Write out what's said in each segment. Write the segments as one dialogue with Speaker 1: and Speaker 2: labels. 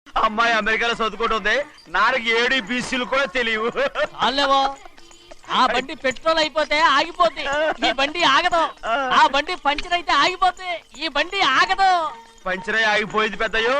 Speaker 1: అమ్మాయి అమెరికాలో చదువుకుంటుంది, నాకు 7 బీసీలు కూడా తెలియవు.
Speaker 2: చాలేవో ఆ బండి పెట్రోల్ అయిపోతే ఆగిపోతే ఈ బండి ఆగదు. ఆ బండి పంచర్ అయితే ఆగిపోతే ఈ బండి ఆగదు.
Speaker 1: పంచరై ఆగిపోయింది పెద్దయ్యో.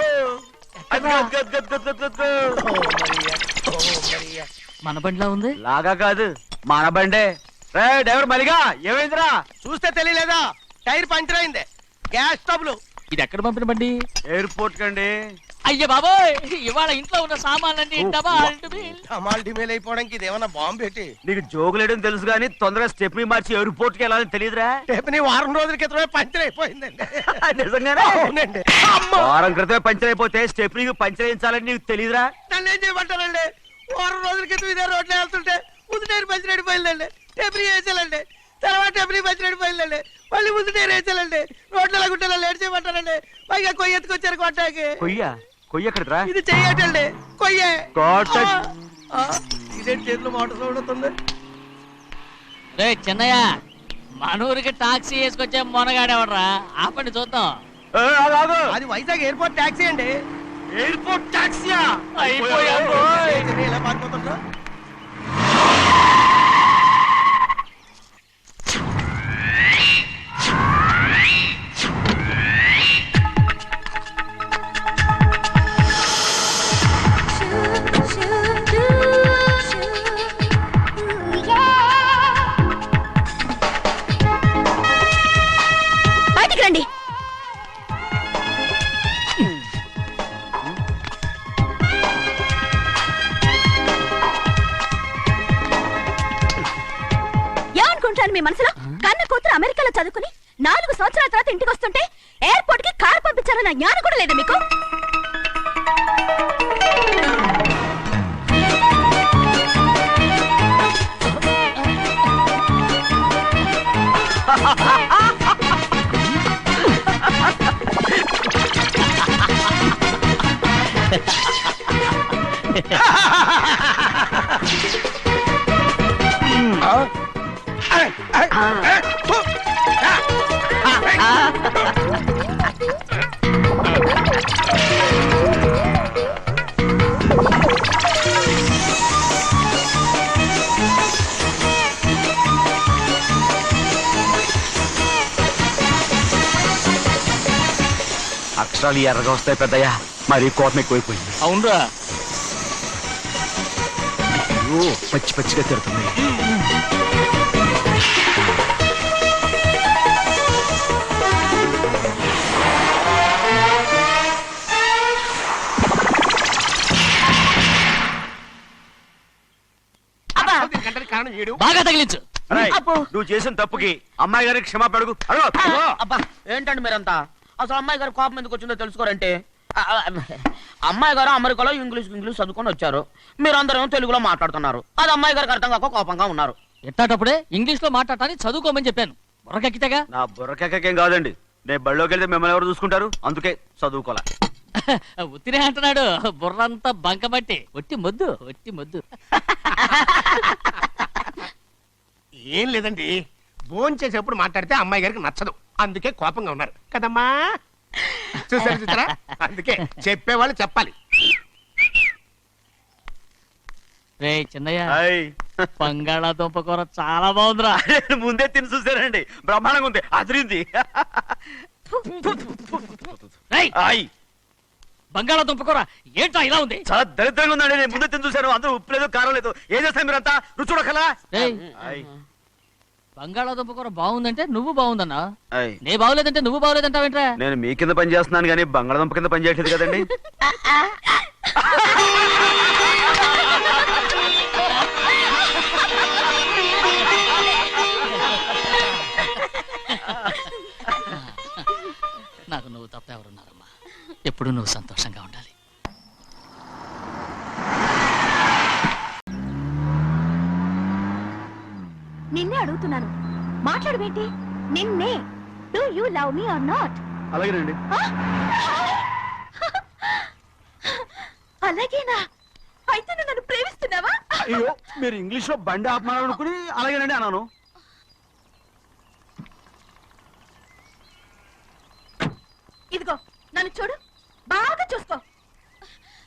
Speaker 2: మన బండిలా ఉంది.
Speaker 1: లాగా కాదు, మన బండే. రే డ్రైవర్ మలిగా, ఏమైందిరా?
Speaker 3: చూస్తే తెలియలేదా? టైర్ పంచర్ అయింది. Gas trouble.
Speaker 2: ఇది ఎక్కడ పంపిన బండి?
Speaker 1: ఎయిర్పోర్ట్ కండి.
Speaker 2: అయ్య బాబోయ్, ఇవాళ ఇంట్లో ఉన్న సామాన్లన్నీ
Speaker 3: డమాల్ డిమేల్ అయిపోవడానికి ఇదేమన్నా బాంబు పెట్టి.
Speaker 1: నీకు జోకులేయడం తెలుసు కానీ తొందరగా స్టెప్ని మార్చి ఎయిర్పోర్ట్ కి వెళ్ళాలని తెలియదురా?
Speaker 3: రేపు వారం రోజుల క్రితమే పంచర్ అయిపోయిందండి.
Speaker 1: నిజంగానే?
Speaker 3: అవునండి.
Speaker 1: వారం క్రితమే పంచర్ అయిపోతే స్టెప్ని పంచర్ వేయించాలని నీకు తెలియదురా?
Speaker 3: నన్ను ఏం చేయమంటారండి? వారం రోజుల క్రితం ఇదే రోడ్లో వెళ్తుంటే ముందు టైర్ పంచర్ అయిపోయిందండి. టెబ్రీ వేసాలండి. తర్వాత టెబ్రీ పంచర్ అయిపోయిందండి. మళ్ళీ ముందు టైర్ వేసాలండి. రోడ్ల గుట్టలో లేట్ చేయమంటారండి. పైగా కొయ్య ఎత్తుకొచ్చారు కొట్టాకి.
Speaker 1: కొయ్య ఎక్కడరా?
Speaker 3: ఇది చెయ్యటండి. కొయ్యే.
Speaker 1: కొట్ట.
Speaker 3: ఇదేంటి చేతిలో మోటార్ సౌండ్ అవుతుంది?
Speaker 2: రే చిన్నయ్య, మన ఊరికి టాక్సీ వేసుకొచ్చే మొనగాడేవడరా? ఆపండి చూద్దాం.
Speaker 3: అది వైజాగ్ ఎయిర్పోర్ట్ టాక్సీ అండి.
Speaker 1: ఎయిర్పోర్ట్ టాక్సీయా?
Speaker 3: ఇలా పారిపోతుండ్రా?
Speaker 4: బయటికి రండి. ఏమనుకుంటాను మీ మనసులో? కన్న కూతురు అమెరికాలో చదువుకుని 4 సంవత్సరాల తర్వాత ఇంటికి వస్తుంటే ఎయిర్పోర్ట్ కి కారు పంపించాలన్న జ్ఞానం కూడా లేదా మీకు?
Speaker 1: అక్షరాలు ఎర్రగా వస్తాయి పెద్దయ్యా, మరి కోపం ఎక్కువైపోయింది.
Speaker 2: అవునరా,
Speaker 1: పచ్చి పచ్చిగా తిడుతుంది.
Speaker 2: బాగా తగిలించు.
Speaker 1: నువ్వు చేసిన తప్పుకి అమ్మాయి గారికి క్షమాపణ అడుగు.
Speaker 5: అబ్బా ఏంటండి మీరంతా? అసలు అమ్మాయి గారు కోపం ఎందుకు వచ్చిందో తెలుసుకోరంటే, అమ్మాయి గారు అమెరికాలో ఇంగ్లీష్ చదువుకొని వచ్చారు. మీరందరూ తెలుగులో మాట్లాడుతున్నారు. అది అమ్మాయి గారికి అర్థం కాక కోపంగా ఉన్నారు.
Speaker 2: ఎట్టాటప్పుడే ఇంగ్లీష్ లో మాట్లాడటానికి చదువుకోమని చెప్పాను. బుర్రకెక్కితేగా?
Speaker 1: నా బుర్రకెక్కకేం కాదండి, నేను బళ్ళోకి వెళ్తే మిమ్మల్ని ఎవరు చూసుకుంటారు? అందుకే చదువుకోలే.
Speaker 2: ఉత్తినే అంటున్నాడు. బుర్రంతా బంకబట్టి ఒట్టి మొద్దు, ఒట్టి మొద్దు.
Speaker 3: ఏం లేదండి, భోజనం చేసేప్పుడు మాట్లాడితే అమ్మాయి గారికి నచ్చదు, అందుకే కోపంగా ఉన్నారు కదమ్మా. చూసారా? అందుకే చెప్పేవాళ్ళు చెప్పాలి.
Speaker 2: రే చిన్నయ్య, బంగాళాదుంప కూర చాలా బాగుందిరా.
Speaker 1: ముందే తిని చూసానండి, బ్రహ్మాండంగా ఉంది, అదిరింది.
Speaker 2: బంగాళాదుంప కూర ఏంటా ఇలా ఉంది?
Speaker 1: చాలా దరిద్రంగా ఉందండి. నేను ముందే తిని చూశాను, అందరూ ఉప్పు లేదు కారం లేదు. ఏం చేస్తాను మీరంతా? రుచి చూడకలా.
Speaker 2: బంగాళాదుంప కూర బాగుందంటే నువ్వు బాగుందన్నా, నే బాగులేదంటే నువ్వు బాగులేదంటావేంట్రా?
Speaker 1: నేను మీ కింద పని చేస్తున్నాను కానీ బంగాళాదుంప కింద పని చేయట్లేదు కదండి.
Speaker 2: నాకు నువ్వు తప్ప ఎవరున్నారమ్మా? ఎప్పుడు నువ్వు సంతోషంగా ఉండాలి.
Speaker 4: నిన్నే అడుగుతున్నాను, మాట్లాడబేంటి? నిన్నే. Do you love me or not?
Speaker 1: అలాగేనండి.
Speaker 4: అలాగేనా? అయితే నువ్వు నన్ను ప్రేమిస్తున్నావా?
Speaker 1: అయ్యో, మీరు ఇంగ్లీష్ లో బండి ఆపమాలనుకుని అలాగేనండి అన్నాను.
Speaker 4: ఇదిగో నన్ను చూడు, బాగా చూసుకో.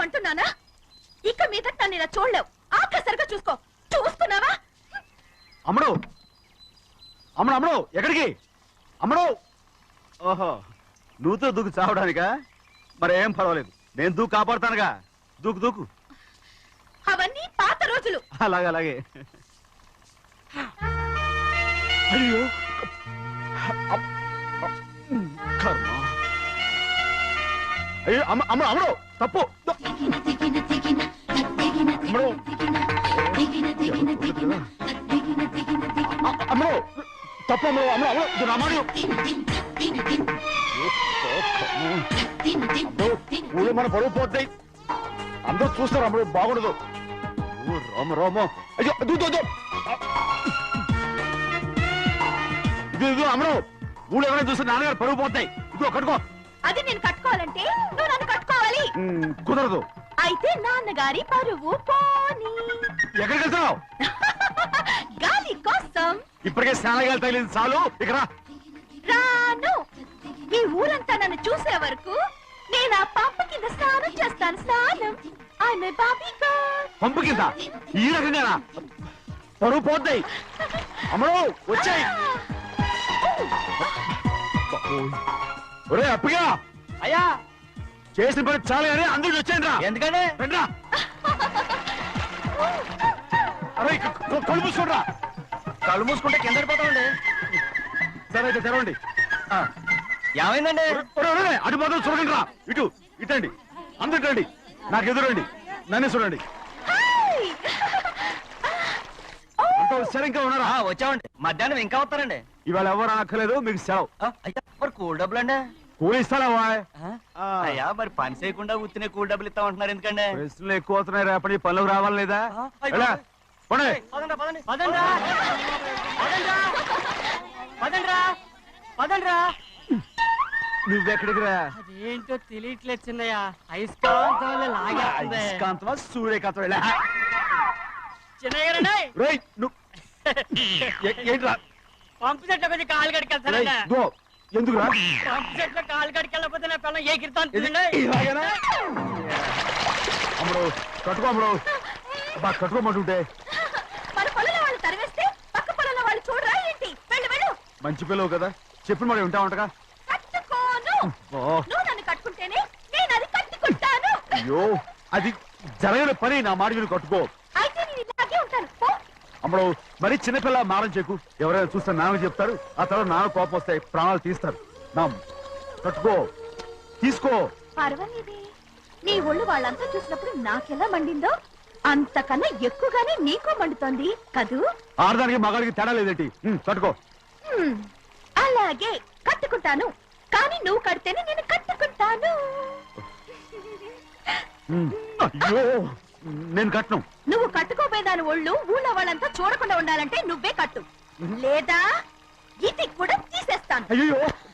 Speaker 4: అంటున్నానా? ఇక మీద నన్ను ఇలా చూడలేవు. ఆఖసరిగా చూసుకో. చూస్తున్నావా?
Speaker 1: అమ్మడు అమ్మడు అమ్మడు ఎక్కడికి అమ్మడు? ఓహో నువ్వుతో దూకు చావడానికా? మరి ఏం పర్వాలేదు, నేను దూకు కాపాడుతానుగా. దూకు దూకు.
Speaker 4: అవన్నీ పాత రోజులు.
Speaker 1: అలాగే అలాగే. అయ్యో కర్మ. అయ్యో అమ్మ అమ్మ అమ్మడు తప్పు. అమ్మడు అమ్మడు తప్పు. అమ్మడు అమ్మడు అమ్మడు రామాడు. ఊళ్ళో మన పరువు పోతాయి, అందరూ చూస్తారు. అమ్మడు బాగుండదు. రామ రామ. అయ్యో ఇది అమ్మడు ఊళ్ళో ఎవరైనా చూస్తే నాన్నగారు పరువు పోతాయి. ఇదిగో కట్టుకో.
Speaker 4: అది నేను కట్టుకోవాలంటే నువ్వు నన్ను కట్టుకోవాలి.
Speaker 1: కుదరదు.
Speaker 4: అయితే నాన్నగారి పరువు పోనీ.
Speaker 1: ఎక్కడికి వెళ్తున్నావు?
Speaker 4: గాలి కోసం.
Speaker 1: ఇప్పటికే స్నానగాలు తగిలింది చాలు. ఇక్కడ
Speaker 4: రాను. ఈ ఊరంతా నన్ను చూసే వరకు నేను ఆ పంప కింద స్నానం చేస్తాను. స్నానం. ఆమె బాబీ గర్ల్.
Speaker 1: పంపు కింద ఈ రకంగా పరువు పోతాయి. అమ్మడు వచ్చాయి. ఒరే అప్పగా
Speaker 2: అయ్యా
Speaker 1: చేసిన పని చాలు కానీ అందరికి వచ్చాను రా.
Speaker 2: ఎందుకంటే
Speaker 1: రండి రా. అరే కళ్ళు మూసుకోండి.
Speaker 2: కళ్ళు మూసుకుంటే కింద పడిపోతామండి.
Speaker 1: సరే అయితే తెరవండి.
Speaker 2: ఏమైందండి?
Speaker 1: అటు మాత్రం చూడండి రా. ఇటు ఇటండి. అందరు ఇటండి. నాకు ఎదురండి. నన్నే చూడండి. అంతా వచ్చారు. ఇంకా ఉన్నారా?
Speaker 2: వచ్చామండి. మధ్యాహ్నం ఇంకా వస్తారండి.
Speaker 1: ఇవాళ ఎవరు అనక్కర్లేదు, మీకు సెలవు.
Speaker 2: అయ్యా మరి కూల్ డబ్బులు అండి?
Speaker 1: కూలి ఇస్తారా?
Speaker 2: అయ్యా మరి పని చేయకుండా ఉత్తినే కూల్ డబ్బులు ఇస్తామంటున్నారు ఎందుకండి?
Speaker 1: ప్రశ్నలు ఎక్కువ అవుతున్నాయి. రేపటి పనులకు రావాలి లేదా? ఎలా? పోనీ. నువ్వెక్కడికి రా?
Speaker 2: అదేంటో తెలియట్లేదు చిన్నయ్య. అయస్కాంతం లాగేస్తుంది.
Speaker 1: అయస్కాంతమా సూర్యకాంతం? ఎలా?
Speaker 2: చిన్నయ్య గారండి,
Speaker 1: రేయ్, నువ్వు ఏంట్రా?
Speaker 2: పంపు చెట్ల కొంచెం కాలు
Speaker 1: రేయ్,
Speaker 2: కడికెళ్తారండి.
Speaker 1: ఇదిగో, ఎందుకురా?
Speaker 2: పంపు చెట్ల కాలు కడికెళ్ళకపోతే నా పిల్లలు ఏ కిర్తాను
Speaker 1: ఇది ఇలాగేనా? అమ్మడు కట్టుకో. అమ్మడు బా కట్టుకోమంటుంటే.
Speaker 4: మన పొలంలో వాళ్ళు తరివేస్తే పక్క పొలంలో వాళ్ళు చూడరా ఏంటి? వెళ్ళు వెళ్ళు.
Speaker 1: మంచి పిల్లవు కదా, చెప్పిన మరి ఉంటా ఉంటగా.
Speaker 4: కట్టుకోను. నువ్వు నన్ను కట్టుకుంటేనే నేను అది కట్టుకుంటాను.
Speaker 1: అయ్యో అది జరగని పని. నా మాట మీరు కట్టుకో.
Speaker 4: అయితే నేను ఇలాగే ఉంటాను. పో.
Speaker 1: అమ్మడు మరి చిన్నపిల్ల మారం చెక్కు. ఎవరైనా చూస్తే నాన్న చెప్తారు. ఆ తర్వాత నాన్న కోపం వస్తాయి, ప్రాణాలు తీస్తారు. నా కట్టుకో, తీసుకో.
Speaker 4: పర్వాలేదే. నీ ఒళ్ళు వాళ్ళంతా చూసినప్పుడు నాకెలా మండిందో అంతకన్నా ఎక్కువగానే నీకు మండుతోంది కదూ?
Speaker 1: ఆడదానికి మగాడికి తేడా లేదేంటి? కట్టుకో.
Speaker 4: అలాగే కట్టుకుంటాను. కానీ నువ్వు కడితేనే నేను కట్టుకుంటాను.
Speaker 1: అయ్యో నేను కట్టను.
Speaker 4: నువ్వు కట్టుకోపోయేదాని ఒళ్ళు ఊళ్ళో వాళ్ళంతా చూడకుండా ఉండాలంటే నువ్వే కట్టు, లేదా ఇది కూడా తీసేస్తాను.
Speaker 1: అయ్యో